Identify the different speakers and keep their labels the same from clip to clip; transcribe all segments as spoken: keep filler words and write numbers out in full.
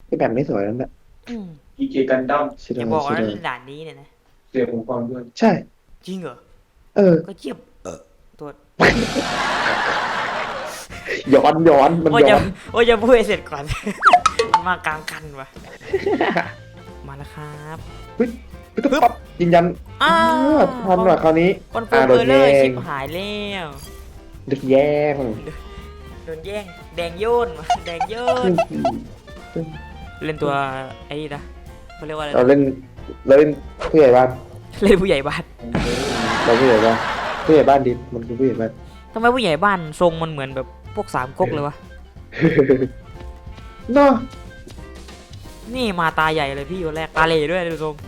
Speaker 1: ไอแบบไม่สวยแล้วเนี่ย
Speaker 2: อืม
Speaker 3: อีเจกันดั้ม
Speaker 1: ชิ
Speaker 2: อย่า
Speaker 1: ดา
Speaker 2: บอกว่า
Speaker 1: ชิดา
Speaker 2: ด่านนี้เนี่ยนะ
Speaker 3: เสียผมฟังด้วย
Speaker 1: ใช่
Speaker 2: จริงเหรอ
Speaker 1: เออ
Speaker 2: ก็เจียบตัว
Speaker 1: ย้อนย้อนมัน
Speaker 2: โอ้ยจะ
Speaker 1: ย้อน
Speaker 2: โอ้ยจะพูดให้เสร็จก่อนมันมากลางคันวะมาแล้วครับ
Speaker 1: เฮ้ยปึ๊บปั๊บยืนยัน
Speaker 2: อ้า
Speaker 1: อ้าวทันว่ะคราวนี้
Speaker 2: คอนเฟิ
Speaker 1: อ่า
Speaker 2: ร์ม
Speaker 1: โด
Speaker 2: เอน อร์เล
Speaker 1: แย่
Speaker 2: อร์ชิ
Speaker 1: ง
Speaker 2: ปหายแล้ว
Speaker 1: โดนแย่ง
Speaker 2: โดนแย่งแดงโยนว่ะแดงโยนเล่นตัวไอ้นี่นะเขาเรียกว่าอะไร
Speaker 1: เรา
Speaker 2: นะ
Speaker 1: เล่นเราเล่นผู้ใหญ่บ้าน
Speaker 2: เล่นผู้ใหญ่บ้าน
Speaker 1: เราผู้ใหญ่บ้านผู้ใหญ่บ้านดิมันคือผู้ใหญ่บ้าน
Speaker 2: ทำไมผู้ใหญ่บ้านทรงมันเหมือนแบบพวกสามก๊กเลยวะ
Speaker 1: เนาะ
Speaker 2: นี่มาตาใหญ่เลยพี่คนแรกตาเหล่ด้วยดูทรง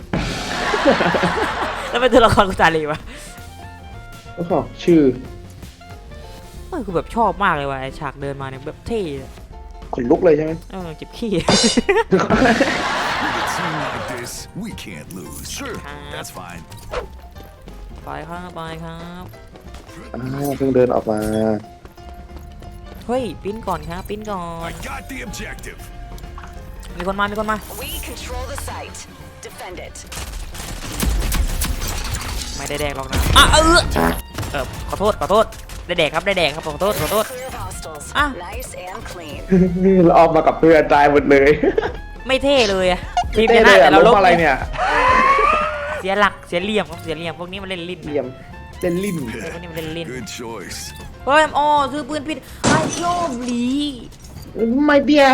Speaker 2: แล้วเป็นตัวละครกูตาเหล่วะ
Speaker 1: แล้วก็ชื่อ
Speaker 2: เออคือแบบชอบมากเลยว่ะไอฉากเดินมาเนี่ยแบบเท่อะ
Speaker 1: ขนลุกเลยใช่ไหม
Speaker 2: เออเจ็บขี้
Speaker 4: With a team like this, we can't lose. Sure, that's fine.
Speaker 2: ไปครับไปครับ
Speaker 1: อ้าวเพิ่งเดินออกมา
Speaker 2: เฮ้ยปิ้นก่อนครับปิ้นก่อน
Speaker 4: I got the objective.
Speaker 2: มีคนมามีคนมา
Speaker 5: We control the site. Defend it.
Speaker 2: ไม่ได้แดกหรอกนะอ่ะเออเออขอโทษขอโทษได้แดกครับได้แดกครับขอโทษขอโทษ
Speaker 5: Clear of hostiles.
Speaker 2: Ah.
Speaker 5: Nice and clean.
Speaker 1: เราออกมากับเพื่อนตายหมดเลย
Speaker 2: ไม่เท่เลยอะทีม
Speaker 1: เต้
Speaker 2: ช
Speaker 1: เล
Speaker 2: นะ
Speaker 1: ย
Speaker 2: แต่
Speaker 1: อะ
Speaker 2: เรา
Speaker 1: ล้
Speaker 2: ล
Speaker 1: ม
Speaker 2: บ
Speaker 1: อะไรเนี่ย
Speaker 2: เสียหลักเสียเหลี่ยมครับเสียเหลี่ยมพวกนี้มันเล่นลิ้น
Speaker 1: เหลี่ยมเล่นลิ้น
Speaker 2: พวกนี้มันเล่นลิ้น
Speaker 4: Good choice.
Speaker 2: เฮ้ยอ๋อซื้อปืนผิดไอ้โชคดี
Speaker 1: ไม่เบี้ยง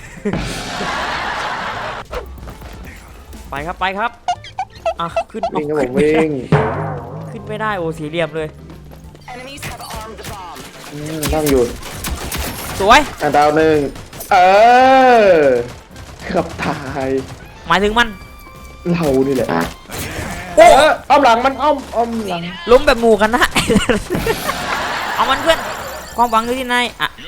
Speaker 2: ไปครับไปครับอ่ะขึ้น
Speaker 1: วิ่งครับผ
Speaker 2: ขึ้
Speaker 1: ม
Speaker 2: นไม่ได้
Speaker 1: วิ่ง
Speaker 2: ขึ้นไม่ได้โอ้สีเหลี่ยมเลย
Speaker 5: Enemies have armed the bomb.
Speaker 1: อืมนั่งอยู่
Speaker 2: สวย
Speaker 1: อ่ะดาวหนึ่งเออขับถ่าย
Speaker 2: หมายถึงมัน
Speaker 1: เรานี่แหละ
Speaker 2: โอ้
Speaker 1: เอออ้อมหลังมันอ้อมอ้อมหลัง
Speaker 2: ล้มแบบหมู่กันนะ เอามันเพื่อนความหวังอยู่ที่ไหนอ่ะ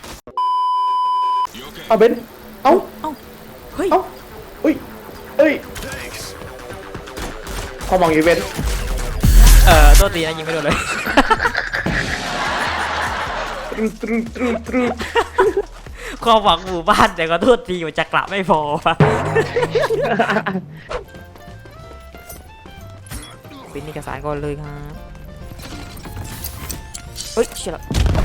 Speaker 1: เอาเบนเอ้า
Speaker 2: เอ้าเฮ้ย
Speaker 1: เอ้าเอ้ยเอ้ย
Speaker 4: Thanks.
Speaker 1: ความหวังอีเวนต์
Speaker 2: เออโทษทีนะยิงไม่โดนเลย
Speaker 1: ตรึตรึตรึตรึ
Speaker 2: ความหวังหมู่บ้านแต่ก็โทษทีมันจะกลับไม่พอวะเป็นเอกสารก่อนเลยครับเฮ้ยเชี่ยละ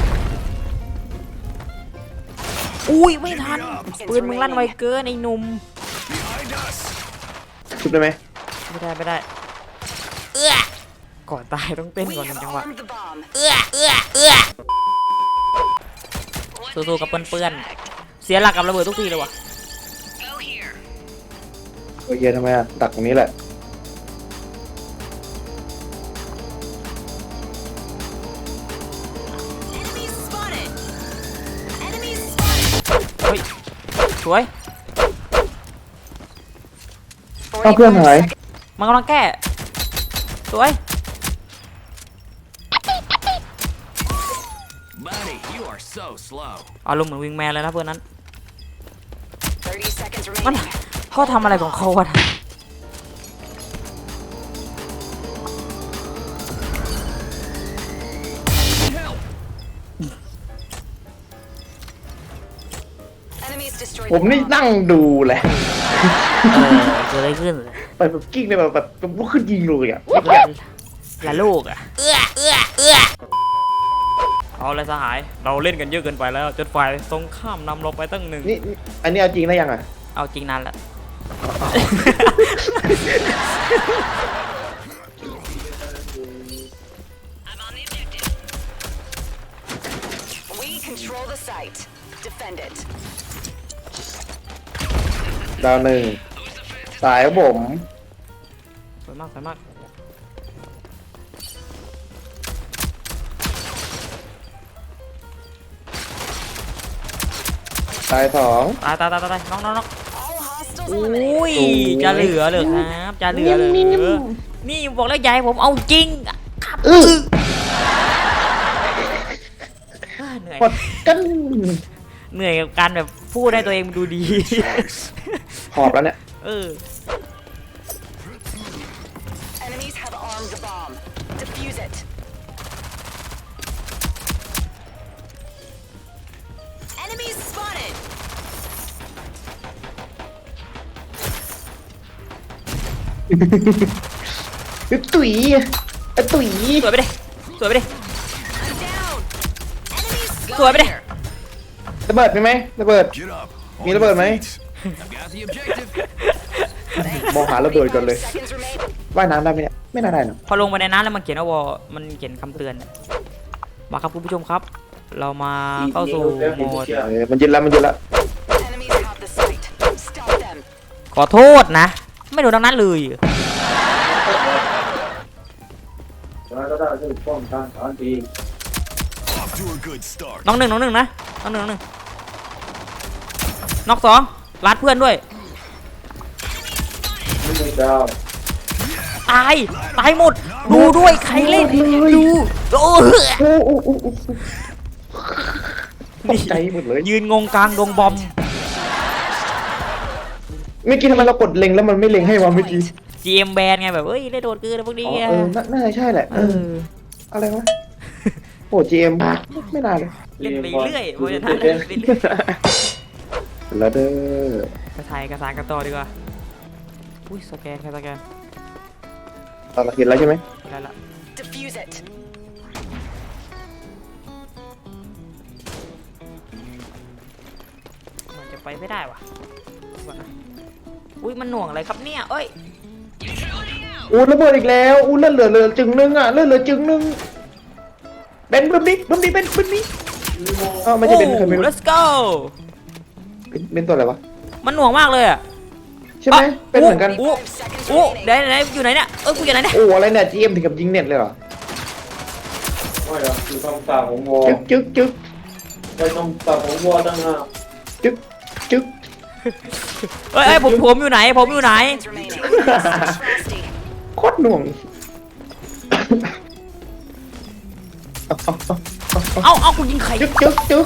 Speaker 2: อุ้ยไม่ทันปืนมึงลั่นไวเกินไอ้หนุ่ม
Speaker 4: Behind us.
Speaker 1: ชุบได้ไหม
Speaker 2: ไม่ได้ไม่ได้เอื้อก่อนตายต้องเต้น
Speaker 5: We
Speaker 2: ก่อนหนึ่
Speaker 5: have
Speaker 2: งจังหวะ
Speaker 5: armed the bomb.
Speaker 2: เอื้อเอื้อเอื้อสู้ๆกับเพื่อนๆเสียหลักกับระเบิดทุกทีเลยว่ะ
Speaker 5: Go here.
Speaker 1: โอเคทำไมอ่ะดักตรงนี้แหละ
Speaker 5: Enemies spotted. Enemies spotted.
Speaker 2: เฮ้ยสวย
Speaker 1: เอ้าเพื่อนหาย
Speaker 2: มันกำลังแก้สวย
Speaker 4: Buddy, you are so slow.
Speaker 2: อารมณ์เหมือนวิงแมนเลยนะเพื่อนนั้น
Speaker 5: thirty seconds
Speaker 2: มัน
Speaker 5: remaining.
Speaker 2: เขาทำอะไรของเขาวะ
Speaker 4: Help.
Speaker 5: Enemies destroyed
Speaker 1: ผม
Speaker 5: the
Speaker 1: นี่
Speaker 5: bomb.
Speaker 1: นั่งดูแหละ
Speaker 2: เออเกิดอะไรขึ้น
Speaker 1: ไปแบบกิ้งเลยแบบแบบลุกขึ้นยิงเลยอ่ะ
Speaker 2: ละลูกอ่ะเอื้อเอื้อเอื้อเอาเลยสหายเราเล่นกันเยอะเกินไปแล้วจนฝ่ายตรงข้ามนำเราไปตั้งหนึ่ง
Speaker 1: นี่นี่อันนี้เอาจริงได้ยังอ่ะ
Speaker 2: เอาจริงนานละ
Speaker 5: We control the site. Defend it.
Speaker 1: ดาวหนึ่งสายครับผม
Speaker 2: สวยมากสวยมาก
Speaker 1: สายสอง
Speaker 2: ตายตายตายตายน้องน้องน้อง
Speaker 5: All hostiles
Speaker 2: อุ้
Speaker 5: eliminated.
Speaker 2: ยจะเหลือเหรอครับจะเหลือเหรอนี่บอกแล้วยายผมเอาจริงครับ
Speaker 1: อื้อ
Speaker 2: อ่าเหนื่อย
Speaker 1: กดกัน
Speaker 2: เหนื่อยกับการแบบพูดให้ตัวเองดูดี
Speaker 4: Choice.
Speaker 1: หอบแล้วเนี่ย
Speaker 2: เออ
Speaker 5: Enemies have armed the bomb. Defuse it. Enemies spotted.
Speaker 1: ตุ๋ยไอ้ตุ๋ย
Speaker 2: สวยไปดิสวยไปดิ
Speaker 5: Down. Enemies
Speaker 2: สวยไปดิ
Speaker 1: ระเบิดมีไหมระเบิด
Speaker 4: Get up.
Speaker 1: Me the bird, mate.
Speaker 4: I've got the objective.
Speaker 1: มองหาระเบิดก่อนเลย
Speaker 5: seconds remain.
Speaker 1: ว่ายน้ำได้ไหมเนี่ยไม่น่าได้หรอก
Speaker 2: พอลงไปในน้ำแล้วมันเขียนว่าวอมันเขียนคำเตือนมาครับคุณผู้ชมครับ เรามาเข้าสู่โหมด
Speaker 1: เออมันยึดแล้วมันยึดแล้ว
Speaker 5: Enemies have the site. Stop them.
Speaker 2: ขอโทษนะ ไม่โดนดังนั้นเลย
Speaker 3: แล้วก็ได้ช่วยป้องกันตอนดี
Speaker 4: Off to a good start.
Speaker 2: น้องหนึ่งน้องหนึ่งนะน้องหนึ่งน้องหนึ่งน็อกสองรัดเพื่อนด้วย
Speaker 3: ไม่มีดาว
Speaker 2: ตาย ตายหมด ดูด้วยใครเล่น ดูโอ้โห
Speaker 1: โอ้โอ้โอ้โอ้ตกใจหมดเลย
Speaker 2: ยืนงงกลางดงบอม
Speaker 1: เมื่อกี้ทำไมเรากดเล็งแล้วมันไม่เล็งให้วะเมื่อกี้
Speaker 2: จี เอ็ม แบนไงแบบเอ้ยได้โดนกืนนะพวกนี้
Speaker 1: อ๋อ
Speaker 2: ไง
Speaker 1: เออน่าน่าจะใช่แหละ
Speaker 2: เอ
Speaker 1: เออ
Speaker 2: อ
Speaker 1: อะไรวะโอ้ จี เอ็ม ไม่น่าเลย
Speaker 2: เล่นไปเรื่อยเพราะฉะนั้นเล่นไปเรื่อย
Speaker 1: แล้วเด้อก
Speaker 2: ระถ่ายกระสานกันต่อดีกว่า อุ้ยสแกนใครสแกน
Speaker 1: ตอนเราเห็นแล้วใช่ไหม
Speaker 2: ได้ละ
Speaker 5: Defuse it.
Speaker 2: มันจะไปไม่ได้ว่ะก่อนนะอุ้ยมันหน่วงอะไรครับเนี่ยเอ้ย
Speaker 1: อู้ระเบิดอีกแล้วอู้เลือดเหลือเหลือจึงนึงอ่ะเลือดเหลือจึงนึงเบนบึ้มดิบึ้มดิเบนบึ้มดิอ้าวไม่ใช่เบนใครไม่รู้
Speaker 2: let's go
Speaker 1: เป็นเป็นตัวอะไรวะ
Speaker 2: มันหน่วงมากเลยอ่ะ
Speaker 1: ใช่ไหมเป็นเหมือนกัน
Speaker 2: อู้
Speaker 5: Five seconds
Speaker 2: อู้
Speaker 5: remaining.
Speaker 2: ไหนไหนอยู่ไหนเนี่ยเออกูอยู่ไหนเนี่ย
Speaker 1: โอ้อะไรเนี่ย จี เอ็ม ถึงกับยิงเน็ตเลยเหรอ
Speaker 3: ไม่หรอกคือต้องตาของวอ
Speaker 1: จึ๊กจึ๊กจึ๊ก
Speaker 3: ไม่ต้องตาของวอตั้งห้า
Speaker 1: จึ๊กจึ๊ก
Speaker 2: เอ้ยเอ้ยผมผมอยู่ไหนผมอยู่ไหน
Speaker 5: Seconds remaining. Frosty.
Speaker 1: โคตรหน่วง
Speaker 2: เอ้าเอ้ากูยิงใคร
Speaker 1: จึ๊กจึ๊กจึ๊ก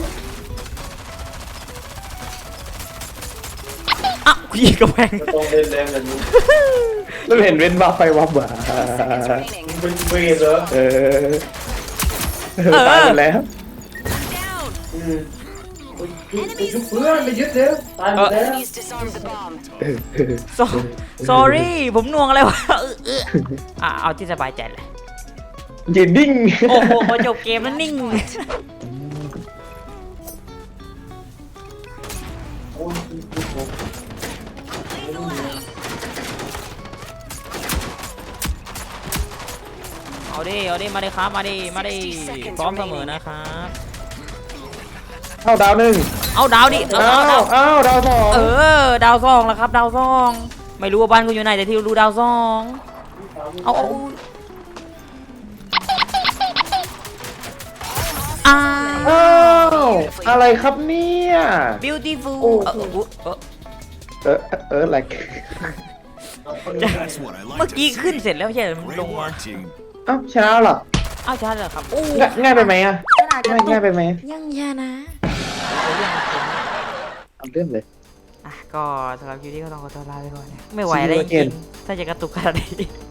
Speaker 2: อ่ะกูยิงกระแพง
Speaker 3: ไม่ต้องเล่นแรงแบบนี้
Speaker 1: แล้วเห็นเว้นบ้าไฟวับบ่า
Speaker 5: Seconds remaining.
Speaker 3: เป็นเวรเหรอ
Speaker 1: เออตายหมดแล้ว
Speaker 5: Down.
Speaker 3: อืมไปยุบเพื่อนไปยึดเร็วตายหมดแล้ว
Speaker 5: Enemies disarmed the bomb.
Speaker 2: โซ sorry ผมหน่วงอะไรวะเออเอออ่ะเอาที่สบายใจเลย
Speaker 1: ยืนดิ้ง
Speaker 2: โอ้โหพอจบเกมแล้วนิ่ง เอาดิ เอาดิ มาดิครับ มาดิ มาดิ พร้อมเสมอนะครับ
Speaker 1: เข้าดาวหนึ่ง
Speaker 2: เอาดาวดิ เอา
Speaker 1: อ้า
Speaker 2: ดาว
Speaker 1: วอ้าวดาวสอง
Speaker 2: เออ ดาวซองแล้วครับ ดาวซอง ไม่รู้ว่าบ้านกูอยู่ไหนแต่ที่รู้ดาวซอง เอาเอาอ้า
Speaker 1: อ้าว อะไรครับเนี่ย
Speaker 2: beautiful
Speaker 1: โอ้
Speaker 2: เออเออ
Speaker 1: เออเออ like
Speaker 4: That's what I
Speaker 2: เมื่อ
Speaker 4: like
Speaker 2: กี้
Speaker 4: to
Speaker 2: ขึ้น
Speaker 4: see.
Speaker 2: เสร็จแล้วไม่ใช่เหรอมันล
Speaker 4: Great
Speaker 2: งมา
Speaker 4: work, team.
Speaker 1: อ้าวชนะแล้วเหรอ
Speaker 2: อ้าวใช่เหรอครับ โอ้
Speaker 1: ง่ายง่ายไปไหมอ่ะง่ายง่ายไปไหม
Speaker 2: ยังชนะ
Speaker 1: เอาเรื่องเลย
Speaker 2: อ่ะก็สำหรับคลิปนี้ก็ต้องขอตัวลาไปก่อนนะไม่ไหวแล้วจ
Speaker 1: See you
Speaker 2: ริง
Speaker 1: again
Speaker 2: ๆถ้าจะกระตุกขนาดนี้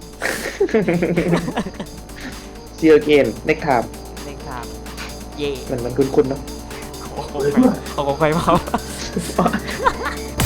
Speaker 1: See you again next time
Speaker 2: เล่นครับเย่
Speaker 1: มันมันคุ้นๆเนาะ
Speaker 2: โอ้โหเอาของใครมา